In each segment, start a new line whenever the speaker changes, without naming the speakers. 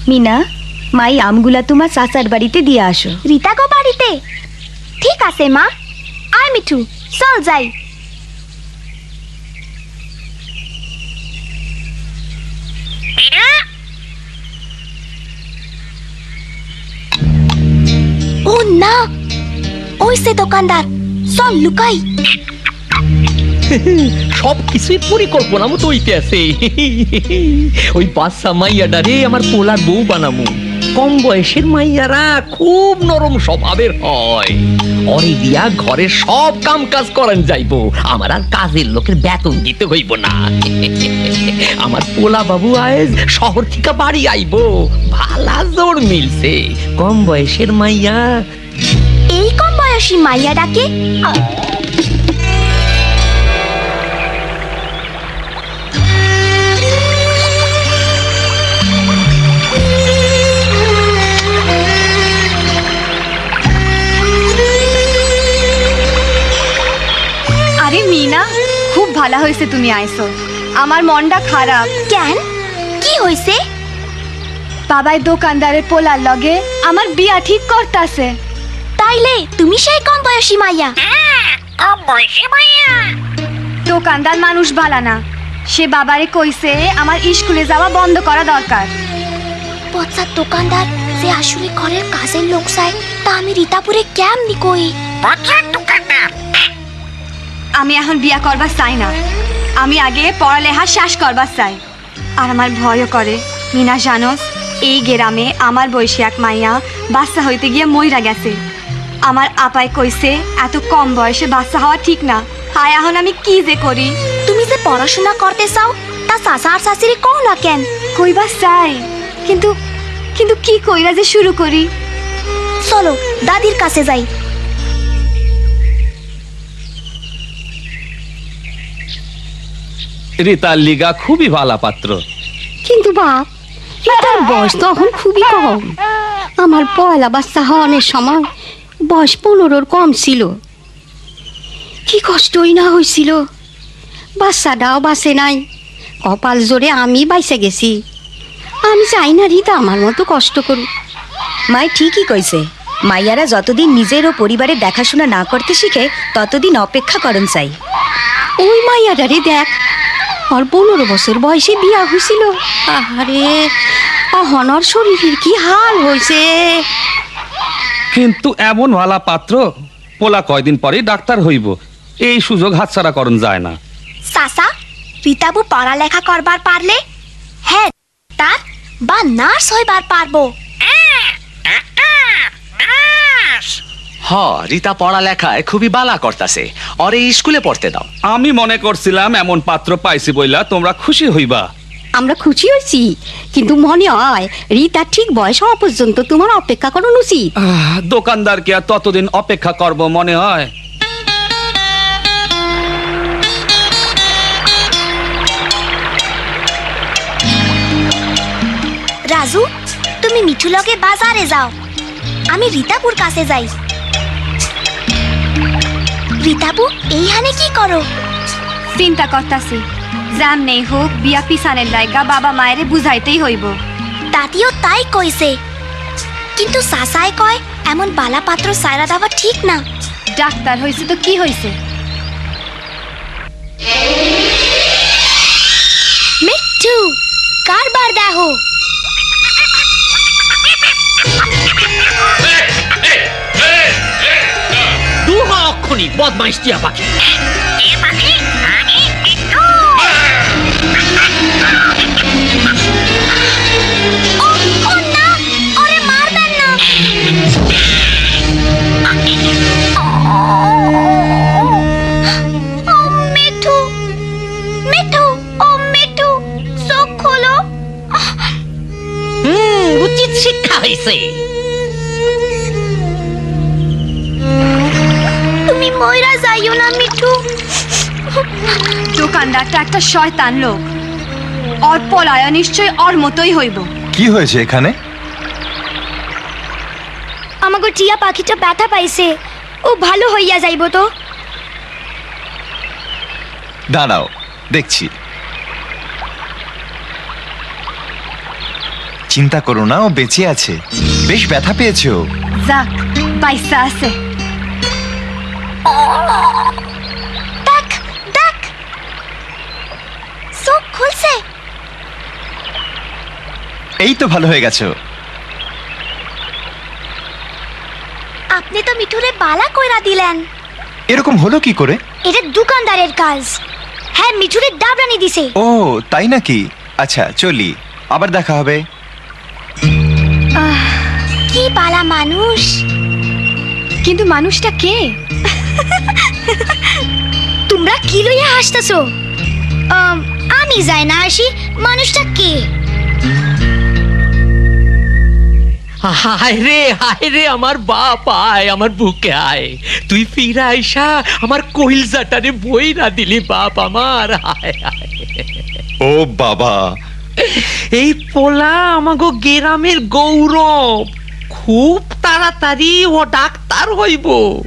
মিনা, মাই আমগুলা তোমার চাচার বাড়িতে দিয়ে আসো।
রিতা গো বাড়িতে? ঠিক আছে মা। আয় মিঠু, চল যাই। ও না, ওই সে দোকানদার, চল লুকাই।
সব কিছুই পরিকল্পনা মতো হইতে আছে। ওই বাচ্চা মাইয়াডারে আমার পোলার বউ বানামু। কম বয়সের মাইয়ারা খুব নরম স্বভাবের হয়। অরে দিয়া ঘরের সব কাম কাজ করান যাইব, আমার আর কাজের লোকের বেতন দিতে হইব না। আমার পোলা বাবু আজ শহর থেকে বাড়ি আইব, ভালা জোর মিলছে। কম বয়সের মাইয়া।
এই কম বয়সী মাইয়া ডাকে?
আরে মিনা, খুব ভালো হয়েছে তুমি আইছো। আমার মনটা খারাপ।
কেন, কি হয়েছে?
বাবাই দোকানদারের পোলার লগে আমার বিয়া ঠিক করতাছে।
তাইলে তুমি সেই কম বয়সী মাইয়া?
দোকানদার মানুষ ভালা না, সে বাবারে কইছে আমার স্কুলে যাওয়া বন্ধ করা দরকার।
পচার দোকানদার যে আসলে ঘরের কাজের লোক চাই, তা আমি রিতাপুরে কেমনি কই?
আমি এখন বিয়া করবার চাই না, আমি আগে পড়ালেখা শেষ করবার চাই। আর আমার ভয়ও করে। মিনা জানোস, এই গ্রামে আমার বয়সী এক মাইয়া বাচ্চা হইতে গিয়ে মইরা গেছে। আমার আপাই কইছে এত কম বয়সে বাচ্চা হওয়া ঠিক না। হায়, এখন আমি কি যে করি?
তুমি যে পড়াশোনা করতে চাও, তা চাচা আর চাচিরে কও না কেন?
কইবা চাই, কিন্তু কিন্তু কি কইরা যে শুরু করি?
চলো দাদির কাছে যাই।
রিতার লিগা খুবই ভালো পাত্র।
কিন্তু বাপ, রিতার বয়স তো এখন খুবই কম। আমার পয়লা বাচ্চা হওয়ার সময় বয়স 15-র কম ছিল। কি কষ্টই না হয়েছিল। বাচ্চাটাও বাঁচে নাই, কপাল জোরে আমি বাইসে গেছি। আমি চাই না রিতা আমার মতো কষ্ট করুক।
মাই ঠিকই কইছে, মাইয়ারা যতদিন নিজের ও পরিবারের দেখাশোনা না করতে শিখে ততদিন অপেক্ষা করন চাই।
ওই মাইয়াটারে দেখ, আর 15 বছর বয়সে বিয়া হয়েছিল। আহারে, অহনর শরীরের কি হাল হয়েছে।
কিন্তু এমন ভালা পাত্র, পোলা কয়দিন পরে ডাক্তার হইব, এই সুযোগ হাতছাড়া করন যায় না।
চাচা, রিতাবু পড়ালেখা করবার পারলে হ্যাঁ তার বা নার্স হইবার পারবো।
হ, রিতা পড়ালেখায় খুবই বালা করতাছে, ওরে স্কুলে পড়তে দাও।
আমি মনে করছিলাম এমন পাত্র পাইছি বইলা তোমরা খুশি হইবা।
আমরা খুশি হয়েছি, কিন্তু মনে হয় রিতা ঠিক বয়স হওয়া পর্যন্ত তোমার অপেক্ষা করানো উচিত।
দোকানদারকে আর ততদিন অপেক্ষা করব মনে হয়?
রাজু, তুমি মিঠু লগে বাজারে যাও, আমি রিতাপুর কাছে যাই। রিতাপু, এইখানে কি করো?
চিন্তা করতাছি, জান নেই হোক বিয়া পিছানের লাইগা বাবা মায়েরে বুঝাইতেই হইব।
দাদিও তাই কইছে, কিন্তু চাচাই কয় এমন বালা পাত্র সাইরা দেওয়া ঠিক না।
ডাক্তার হইছে তো কি হইছে?
মিঠু, কারবার দেখো।
দুহা অক্ষণি বদমাইশ টিয়া পাখি।
ও না, ওরে মারবেন না। ও মিঠু, মিঠু, ও মিঠু, চোখ খোলো।
উচিত শিক্ষা হয়েছে।
তুমি ময়রা যাইও না মিঠু।
দোকানদারটা একটা শয়তান লোক, ওর পলায়া নিশ্চয় ওর মতোই হইব।
কি হয়েছে এখানে?
আমাকে টিয়া পাখিটা ব্যথা পাইছে, ও ভালো হইয়া যাইব তো।
দাঁড়াও, দেখছি। চিন্তা করো না, ও বেঁচে আছে। বেশ ব্যথা পেয়েছো।
যাক পয়সা আছে।
দেখ দেখ, চোখ খুলছে।
এই তো ভালো হয়ে গেছো।
আপনি তো মিঠুরে বালা কইরা দিলেন।
এরকম হলো কি করে?
এটা দোকানদারের কাজ। হ্যাঁ, মিঠুরে ডাবরানি দিছে।
ও তাই নাকি? আচ্ছা চলি, আবার দেখা হবে।
কি বালা মানুষ।
কিন্তু মানুষটা কে?
তোমরা কি লইয়া হাসতেছো? আমি যাই না আসি, মানুষটা কে?
হায় রে আমার বাপ, আয় আমার বুকে আয়। তুই ফিরা আইসা আমার কইলজাটারে বইরা দিলি বাপ আমার। হায় হায়।
ও বাবা,
এই পোলা আমাগো গ্রামের গৌরব, খুব তাড়াতাড়ি ও ডাক্তার হইব।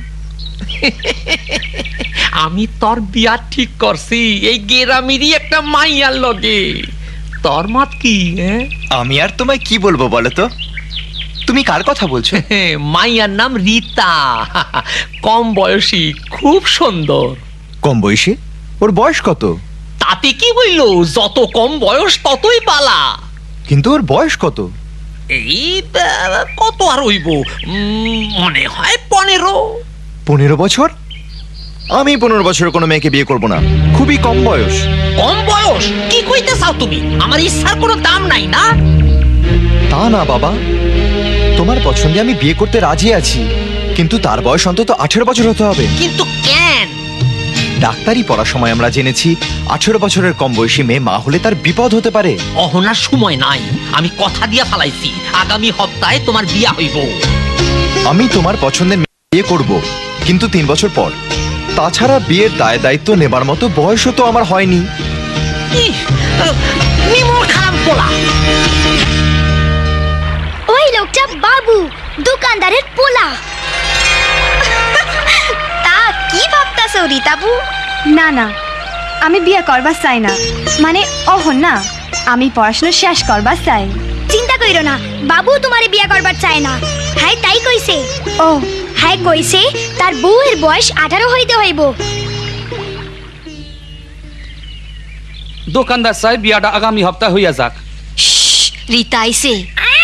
আমি তোর বিয়া ঠিক করছি এই গ্রামেরই একটা মাইয়ার লগে। তোর মত কি?
আমি আর তোমায় কি বলবো বলো তো? তুমি কার কথা বলছো?
মাইয়ার নাম রীতা, কম বয়সী, খুব সুন্দর।
কম বয়সী? ওর বয়স কত?
তাতে কি হইল, যত কম বয়স ততই পালা।
কিন্তু ওর বয়স কত?
এই কত আর হইব, মনে হয় 15।
15 বছর? আমি 15 বছরের কোনো মেয়েকে বিয়ে করব না, খুবই কম বয়স।
কম বয়স? কি কইতে চাও তুমি? আমার ইচ্ছার কোনো দাম নাই না?
তা না বাবা, তোমার পছন্দে আমি বিয়ে করতে রাজি আছি, কিন্তু তার বয়স অন্তত 18 বছর হতে হবে।
কিন্তু কেন?
ডাক্তারি পড়ার সময় আমরা জেনেছি 18 বছরের কম বয়সী মেয়ে মা হলে তার বিপদ হতে পারে।
অহনার সময় নাই, আমি কথা দিয়া ফালাইছি আগামী সপ্তাহে তোমার বিয়া হইব।
আমি তোমার পছন্দের মেয়ে বিয়ে করব, কিন্তু 3 বছর পর। তাছাড়া বিয়ের দায় দায়িত্ব নেবার মতো বয়সও তো আমার হয়নি।
ইহ, নিমর খারাপ পোলা।
ওই লোকটা বাবু, দোকানদারের পোলা। তা কি ভাবতাছো রীতাবু?
না না, আমি বিয়ে করবার চাই না। মানে অহন না, আমি পড়াশোনা শেষ করবার চাই।
চিন্তা কইরো না, বাবু তোমারে বিয়া করবার চায় না। হ্যাঁ তাই কইছে।
ও
হ্যাঁ কইছে তার বউয়ের বয়স 18 হইতে হইব।
দোকানদার সাহেব, বিয়াটা আগামী সপ্তাহ হইয়া যাক।
রীতা আইছে।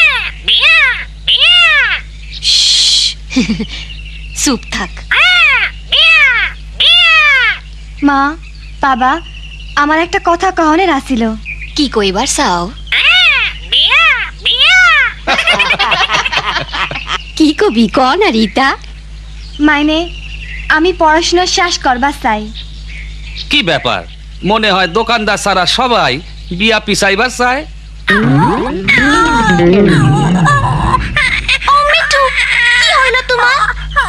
চুপ থাক।
মা, বাবা, আমার একটা কথা কহনের আসিল।
কি কইবার চাও? কি কবি ক না রীতা?
মাইনে আমি পড়াশোনা শেষ করবার চাই।
কি ব্যাপার, মনে হয় দোকানদার সারা সবাই বিয়া পিছাইবার চায়।
ও মিঠু, কি হইল তোমার?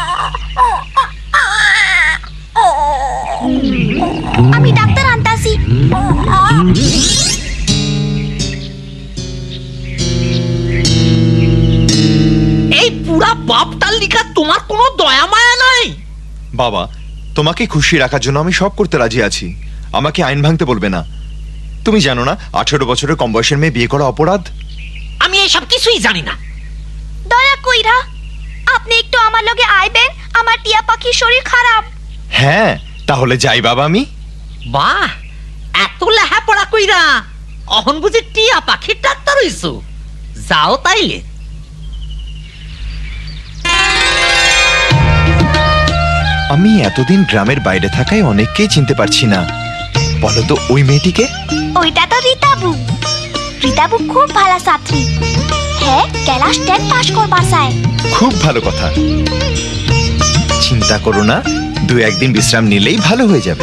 আমি ডাক্তার আনতাছি।
এই পুরা বাপটার লিখা তোমার কোনো দয়া মায়া নাই?
বাবা, তোমাকে খুশি রাখার জন্য আমি সব করতে রাজি আছি, আমাকে আইন ভাঙতে বলবে না। তুমি জানো না 18 বছরের কম বয়সের মেয়ে বিয়ে করা অপরাধ?
আমি এইসব কিছুই জানি না।
দয়া কইরা আপনি একটু আমার লগে আইবেন, আমার টিয়া পাখির শরীর খারাপ।
হ্যাঁ, তাহলে যাই বাবা আমি।
বাহ, এত লেহাপড়া কইরা অহন বুঝি টিয়া পাখির ডাক্তার হইছো? যাও তাইলে।
আমি এতদিন গ্রামের বাইরে থাকায় অনেককেই চিনতে পারছি না। বলো তো ওই মেয়েটিকে?
ওইটা তো রীতাবু। রীতাবু খুব ভালো ছাত্রী। হ্যাঁ, ক্লাস 10 পাস করবার চায়।
খুব ভালো কথা। চিন্তা করো না, 2-1 দিন বিশ্রাম নিলেই ভালো হয়ে যাবে।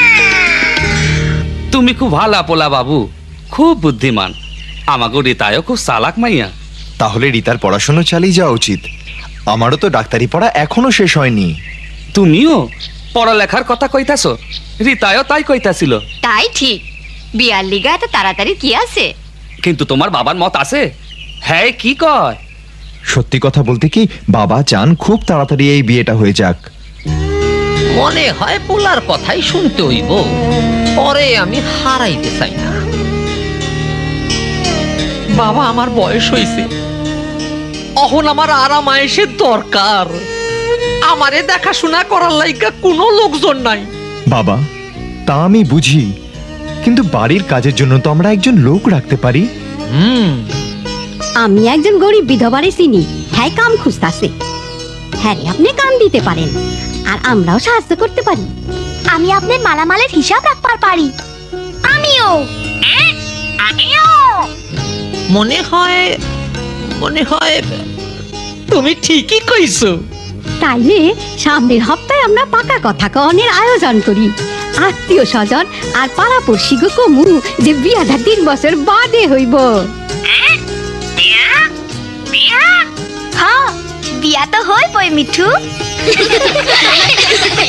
তুমি খুব ভালা পোলা বাবু, খুব বুদ্ধিমান। আমাগো রীতায়ও খুব চালাক মাইয়া।
তাহলে রীতার পড়াশোনা চালিয়ে যাওয়া উচিত। আমারও তো ডাক্তারি পড়া এখনো শেষ হয়নি।
তুমিও পড়ালেখার কথা কইতাছ, রীতায়ও তাই কইতাছিল।
তাই ঠিক, বিয়ার লিগা এত তাড়াতাড়ি কি আছে?
কিন্তু তোমার বাবার মত আছে? হ্যাঁ, কি কয়?
সত্যি কথা বলতে কি, বাবা চান খুব তাড়াতাড়ি এই বিয়েটা হয়ে যাক।
মনে হয় পোলার কথাই শুনতে হইব, পরে আমি হারাইতে চাই না। বাবা আমার বয়স হইছে, অহন আমার আরাম আয়েসের দরকার। আমারে দেখাশোনা করার লাইগা কোনো লোকজন নাই।
বাবা, তা আমি বুঝি, কিন্তু বাড়ির কাজের জন্য তো আমরা একজন লোক রাখতে পারি।
আমি একজন গরিব বিধবারে চিনি, হ্যাঁ কাম খুঁজতাছে। হ্যাঁ রে, আপনি কাম দিতে পারেন আর আমরাও সাহায্য করতে পারি।
আমি আপনার মালামালের হিসাব রাখবার পারি। আমিও
মনে হয় তুমি ঠিকই কইছো।
তাইলে সামনের হপ্তাহে আমরা পাকা কথা কনের আয়োজন করি। আত্মীয় স্বজন আর পাড়াপড়শি গো কমু যে বিয়াটা 3 বছর বাদে হইব।
হ্যাঁ, বিয়া তো হইবই মিঠু।